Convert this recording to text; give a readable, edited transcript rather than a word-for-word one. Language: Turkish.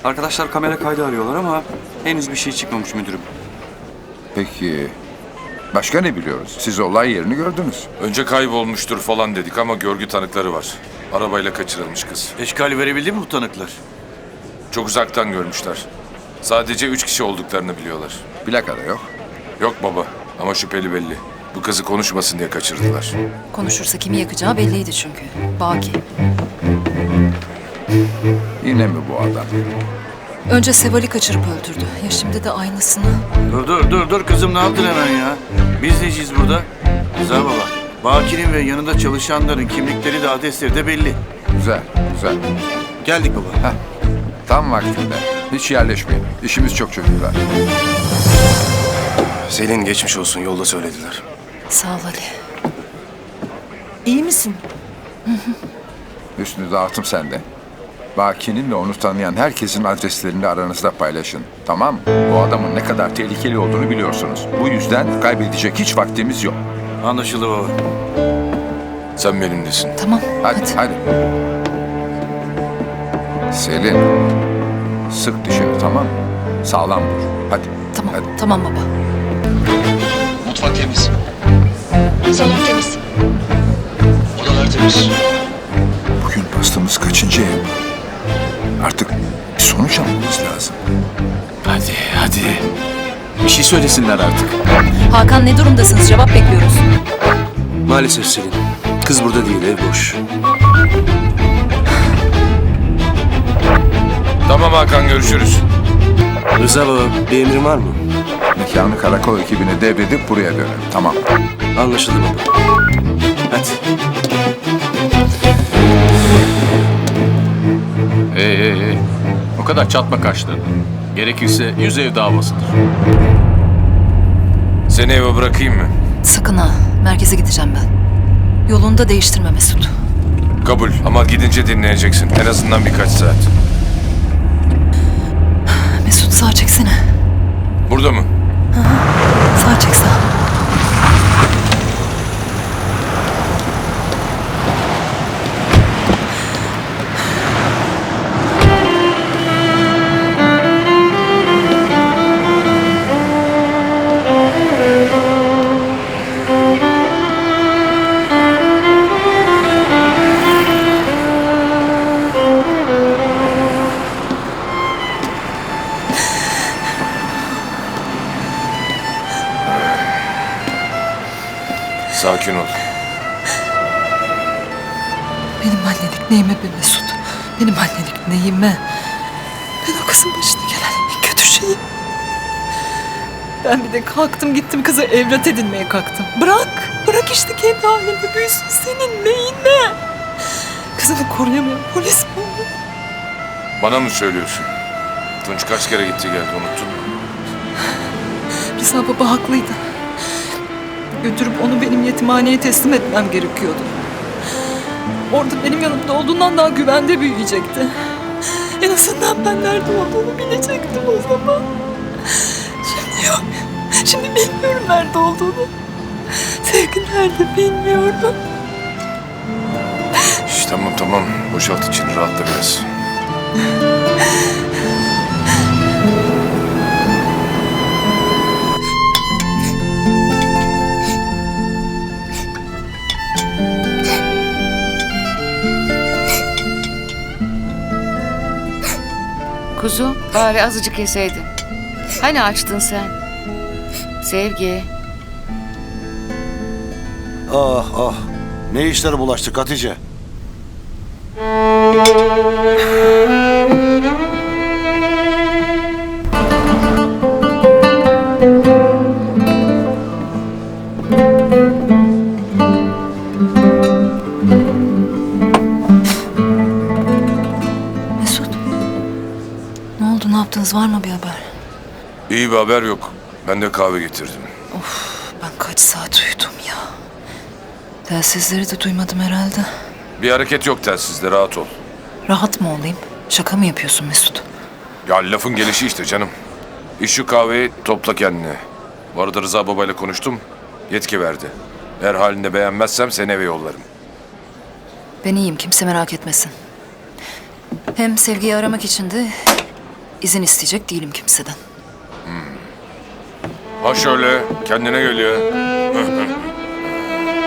Arkadaşlar kamera kaydı arıyorlar ama henüz bir şey çıkmamış müdürüm. Peki başka ne biliyoruz? Siz olay yerini gördünüz. Önce kaybolmuştur falan dedik ama görgü tanıkları var. Arabayla kaçırılmış kız. Eşkali verebildi mi bu tanıklar? Çok uzaktan görmüşler. Sadece 3 kişi olduklarını biliyorlar. Plaka da yok. Yok baba ama şüpheli belli. Bu kızı konuşmasın diye kaçırdılar. Konuşursa kimi yakacağı belliydi çünkü. Baki. Yine mi bu adam? Önce Seval'i kaçırıp öldürdü. Ya şimdi de aynısını. Dur kızım, ne yaptın hemen ya? Biz neciyiz burada? Rıza baba. Baki'nin ve yanında çalışanların kimlikleri de adresleri de belli. Güzel, güzel. Geldik baba. Tam vaktinde. Hiç yerleşmeyin. İşimiz çok çocuklar. Selin geçmiş olsun, yolda söylediler. Sağ ol Ali. İyi misin? Üstünü dağıtım sende. Baki'nin ve onu tanıyan herkesin adreslerini aranızda paylaşın. Tamam mı? Bu adamın ne kadar tehlikeli olduğunu biliyorsunuz. Bu yüzden kaybedecek hiç vaktimiz yok. Anlaşıldı baba. Sen benimlesin. Tamam. Hadi. Selin, sık dişini, tamam mı? Sağlam dur. Hadi. Tamam. Hadi. Tamam baba. Mutfak temiz, Salon temiz. odalar temiz. Bugün bastığımız kaçıncı ev? Artık bir sonuç almamız lazım. Hadi. Bir şey söylesinler artık. Hakan ne durumdasınız? Cevap bekliyoruz. Maalesef Selin. Kız burada değil, ev boş. Tamam Hakan, görüşürüz. Rıza baba, bir emrin var mı? Mekanı karakol ekibine devredip buraya dönelim. Tamam. Anlaşıldı baba. Hadi. O kadar çatma kaşlarını. Gerekirse 100 ev davasıdır. Seni eve bırakayım mı? Sakın ha. Merkeze gideceğim ben. Yolunu da değiştirme Mesut. Kabul ama gidince dinleyeceksin. En azından birkaç saat. Mesut sağ çeksene. Burada mı? Sağ çek sağ. Sakin ol. Benim annelik neyime be Mesut? Benim annelik neyime? Ben o kızın başına gelen en kötü şeyim. Ben bir de kalktım gittim kızı evlat edinmeye kalktım. Bırak işte kendi halinde büyüsün, senin neyine? Kızını koruyamayan polis mi olur? Bana mı söylüyorsun? Tunç kaç kere gitti geldi, unuttun mu? Rıza baba haklıydı. Götürüp onu benim yetimhaneye teslim etmem gerekiyordu. Orada benim yanımda olduğundan daha güvende büyüyecekti. En azından ben nerede olduğunu bilecektim o zaman. Şimdi yok. Şimdi bilmiyorum nerede olduğunu. Sevgi nerede bilmiyorum. Şş, tamam. Boşalt içini, rahatla biraz. Kuzu, bari azıcık yeseydin. Hani açtın sen? Sevgi. Ah. Ne işlere bulaştık Hatice? Mesut. Ne oldu, ne yaptınız, var mı bir haber? İyi bir haber yok. Ben de kahve getirdim. Ben kaç saat uyudum ya. Telsizleri de duymadım herhalde. Bir hareket yok telsizde, rahat ol. Rahat mı olayım? Şaka mı yapıyorsun Mesut? Ya lafın gelişi işte canım. İç şu kahveyi, topla kendini. Bu arada Rıza babayla konuştum. Yetki verdi. Eğer halinde beğenmezsem seni eve yollarım. Ben iyiyim, kimse merak etmesin. Hem Sevgi'yi aramak için de izin isteyecek değilim kimseden. Ha şöyle kendine geliyor.